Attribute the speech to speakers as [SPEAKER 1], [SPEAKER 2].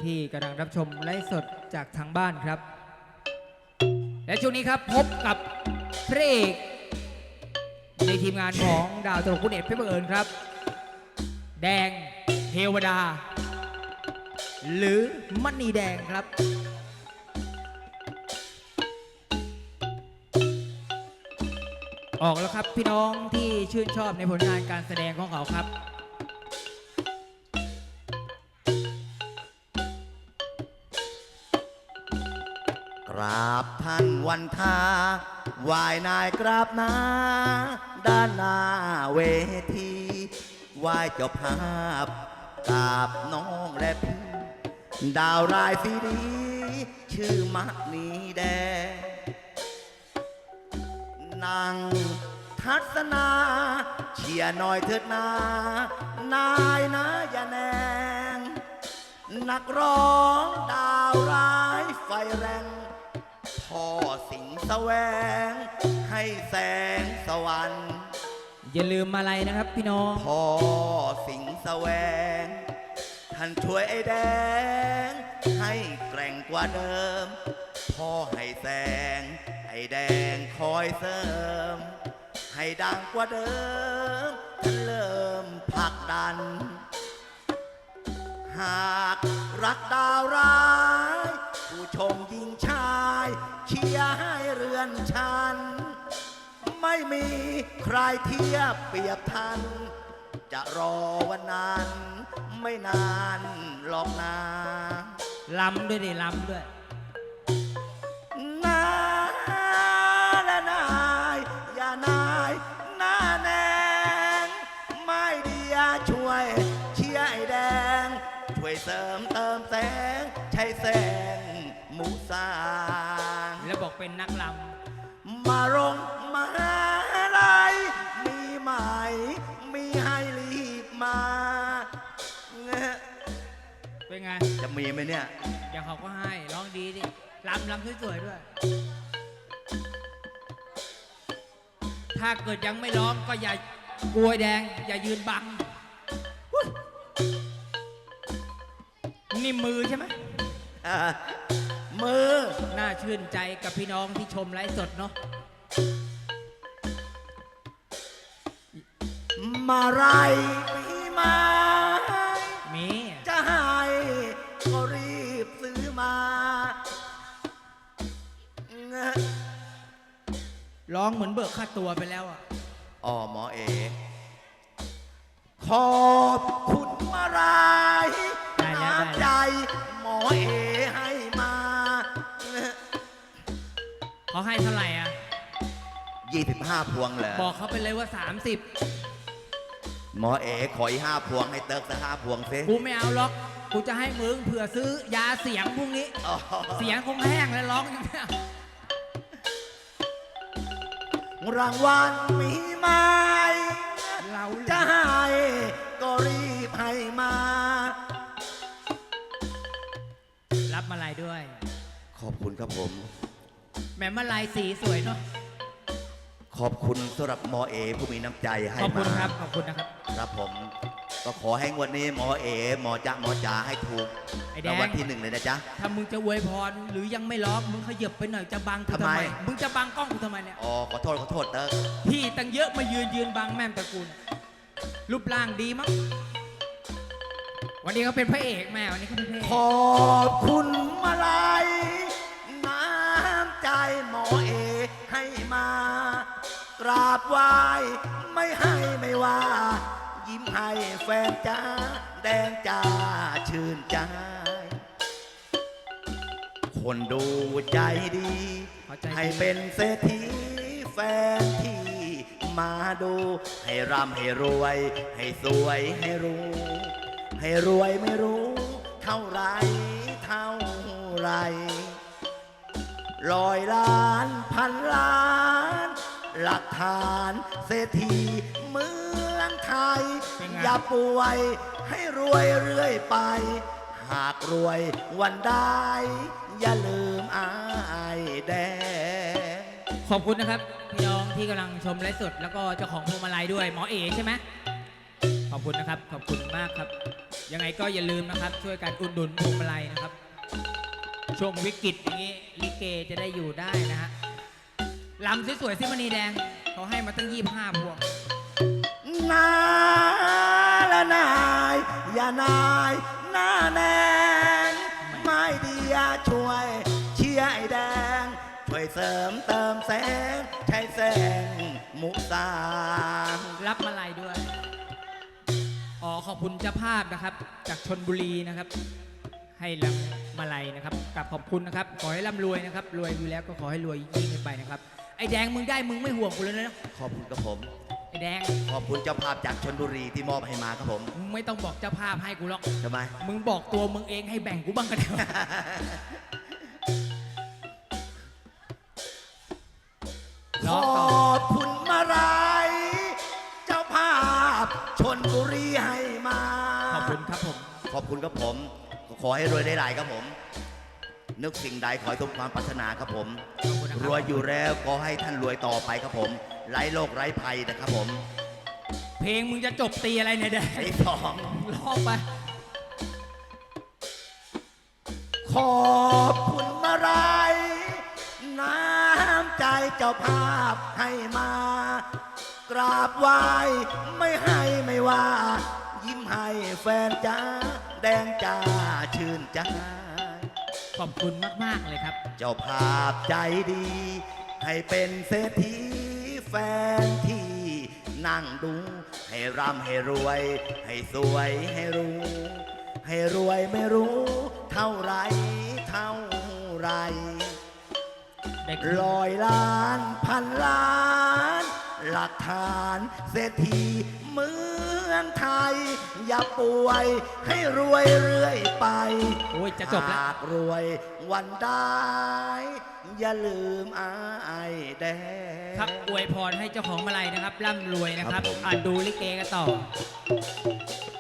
[SPEAKER 1] ที่กำลังรับชมไลฟ์สดจากทางบ้านครับและช่วงนี้ครับพบกับพระเอกในทีมงานของดาวตลกคุณเอกเพชรบังเอิญครับแดงเทวดาหรือมณีแดงครับออกแล้วครับพี่น้องที่ชื่นชอบในผลงานการแสดงของเขาครับ
[SPEAKER 2] กราบท่านวันทาไหวายนายกราบนาด้านหน้าเวทีไหวายเจ้าภาพกราบน้องและพี่ดาวรายซีดีชื่อมะนีแดงนางทัศนาเชียร์หน่อยเถิดนานายนะอย่าแนงนักร้องดาวร้ายไฟแรงพ่อสิงแสวงให้แสงสวรรค์
[SPEAKER 1] อย่าลืมอะไรนะครับพี่น้อง
[SPEAKER 2] พ่อสิงแสวงท่านช่วยไอ้แดงให้แกร่งกว่าเดิมพ่อให้แสงไอ้แดงคอยเสริมให้ดังกว่าเดิมท่านเริ่มผลักดันหากรักดาวร้ายผู้ชมยิงชายเชียร์ให้เรือนชันไม่มีใครเทียบเปรียบทันจะรอวันนั้นไม่นานหรอกนา
[SPEAKER 1] ลำด้วยดิลำด้วย
[SPEAKER 2] นาและนายอย่านายหน้าแนงไม่เดียช่วยเชียร์ไอ้แดงช่วยเสริมเติมแสงใช้แสงมุสา
[SPEAKER 1] แล้วบอกเป็นนักล
[SPEAKER 2] ำมาลงมาลัยมีไหมมีให้รีบมา
[SPEAKER 1] เป็นไง
[SPEAKER 2] จะมีไหมเนี่ย
[SPEAKER 1] เดี๋ยวเขาก็ให้ร้องดีดิลำสวยๆด้วยถ้าเกิดยังไม่ร้องก็อย่ากลัวแดงอย่ายืนบังนี่มือใช่ไหม
[SPEAKER 2] มือ
[SPEAKER 1] น่าชื่นใจกับพี่น้องที่ชมไลฟ์สดเนาะ
[SPEAKER 2] มาไรมีมา
[SPEAKER 1] มี
[SPEAKER 2] จะให้ก็รีบซื้อมา
[SPEAKER 1] ร้องเหมือนเบิกค่าตัวไปแล้วอ่ะ
[SPEAKER 2] อ๋อหมอเอขอบคุณมาไรน้ำใจหมอเอให้มา
[SPEAKER 1] เขาให้เท่าไหร่อ่ะ
[SPEAKER 2] 25 พวงเหรอ
[SPEAKER 1] บอกเขาไปเลยว่า
[SPEAKER 2] 30หมอเอขออีก5 พวงให้เติร์กสัก5 พวงสิ
[SPEAKER 1] กูไม่เอาหรอกกูจะให้มึงเผื่อซื้อยาเสียงพรุ่งนี้เสียงคงแห้งแล้วร้องอย่างนี้
[SPEAKER 2] รางวัลมีไหม
[SPEAKER 1] เรา
[SPEAKER 2] จะให้ก็รีบให้มา
[SPEAKER 1] รับมาลัยด้วย
[SPEAKER 2] ขอบคุณครับผม
[SPEAKER 1] แม่มาลัยสีสวยเนาะ
[SPEAKER 2] ขอบคุณสำหรับหมอเอผู้มีน้ำใจให้มา
[SPEAKER 1] ขอบคุณครับขอบคุณนะครับ
[SPEAKER 2] ครับผมก็ขอให้วันนี้หมอเอหมอจ๋าให้ถูกรางวัลที่1เลยนะจ๊ะ
[SPEAKER 1] ถ้ามึงจะอวยพรหรือยังไม่ร้องมึงขยับไปหน่อยจะบังกูทำไมมึงจะบังกล้องกูทำไมเนี่ย
[SPEAKER 2] อ๋อขอโทษเติร์ก
[SPEAKER 1] พี่ตั้งเยอะมายืนบังแม่มตระกูลรูปร่างดีมั้งวันนี้เขาเป็นพระเอกแม่วันนี้เขาเป็นพระเอก
[SPEAKER 2] ขอบคุณมาลัยน้ำใจหมอเอให้มากราบไหว้ไม่ให้ไม่ว่ายิ้มให้แฟนจ้าแดงจ้าชื่นใจคนดูใจดีให้เป็นเศรษฐีแฟนที่มาดูให้ร่ำให้รวยให้สวยให้รู้ให้รวยไม่รู้เท่าไร100 ล้านพันล้านหลักฐานเศรษฐีเมืองไทยอย่าป่วยให้รวยเรื่อยไปหากรวยวันได้อย่าลืมอายแดง
[SPEAKER 1] ขอบคุณนะครับพี่น้องที่กำลังชมไลฟ์สดแล้วก็เจ้าของพวงมาลัยด้วยหมอเอใช่ไหมขอบคุณนะครับ ขอบคุณมากครับ ยังไงก็อย่าลืมนะครับ ช่วยกันอุดหนุนพวงมาลัยนะครับ ช่วงวิกฤตอย่างนี้ลิเกจะได้อยู่ได้นะฮะลำสวยๆสิมณีแดงเขาให้มาตั้ง25 พวง
[SPEAKER 2] นาละนายอย่านายหน้าแนงไม่ดีอย่าช่วยเชียร์ไอ้แดง ช่วยเสริมเติมแสงใช้แสงมุสา
[SPEAKER 1] รับมาลัยด้วย อ๋อขอบคุณเจ้าภาพนะครับ จากชนบุรีนะครับ ให้รับมาลัยนะครับกับขอบคุณนะครับ ขอให้ร่ำรวยนะครับ รวยอยู่แล้วก็ขอให้รวยยิ่งขึ้นไปนะครับ ไอ้แดงมึงได้มึงไม่ห่วงกูเลยนะ
[SPEAKER 2] ขอบคุณครับผม
[SPEAKER 1] ไอ้แดง
[SPEAKER 2] ขอบคุณเจ้าภาพจากชนบุรีที่มอบให้มาครับผม
[SPEAKER 1] มึงไม่ต้องบอกเจ้าภาพให้กูหรอก
[SPEAKER 2] ทำไม
[SPEAKER 1] มึงบอกตัวมึงเองให้แบ่งกูบ้างก็ได้วะ
[SPEAKER 2] ข
[SPEAKER 1] ร้องต่อ
[SPEAKER 2] อบคุณมาไรเจ้าภาพชนบุรีให้มา
[SPEAKER 1] ขอบคุณครับผม
[SPEAKER 2] ขอบคุณครับผม ขอให้รวยได้หลายครับผม นึกสิ่งใดขอให้สมความปรารถนาครับผม
[SPEAKER 1] ขอบคุณนะค
[SPEAKER 2] ร
[SPEAKER 1] รับ
[SPEAKER 2] วยอยู่แล้วขอให้ท่านรวยต่อไปครับผม ไร้โรคไร้ภัยนะครับผม
[SPEAKER 1] เพลงมึงจะจบตีอะไรเนี่ยแดง
[SPEAKER 2] ไอ้สอง
[SPEAKER 1] ร้องไป
[SPEAKER 2] ขอบคุณมาไรน้ำใจเจ้าภาพให้มา กราบไหว้ไม่ให้ไม่ว่า ยิ้มให้แฟนจ้าแดงจ้าชื่นใจ
[SPEAKER 1] ขอบคุณมากๆเลยครับ
[SPEAKER 2] เจ้าภาพใจดี ให้เป็นเศรษฐีแฟนที่นั่งดู ให้ร่ำให้รวย ให้สวยให้รู้ ให้รวยไม่รู้ เท่าไรเท่าไร
[SPEAKER 1] ได้
[SPEAKER 2] ร้อยล้านพันล้าน หลักฐานเศรษฐีเมืองไทย อย่าป่วยให้รวยเรื่อยไป
[SPEAKER 1] โอ้ยจะจบแล้ว
[SPEAKER 2] หากรวยวันได้อย่าลืมอายแดง
[SPEAKER 1] ครับอวยพรให้เจ้าของมาลัยนะครับร่ำรวยนะครับ
[SPEAKER 2] ครับผม
[SPEAKER 1] ดูลิเกกันต่อ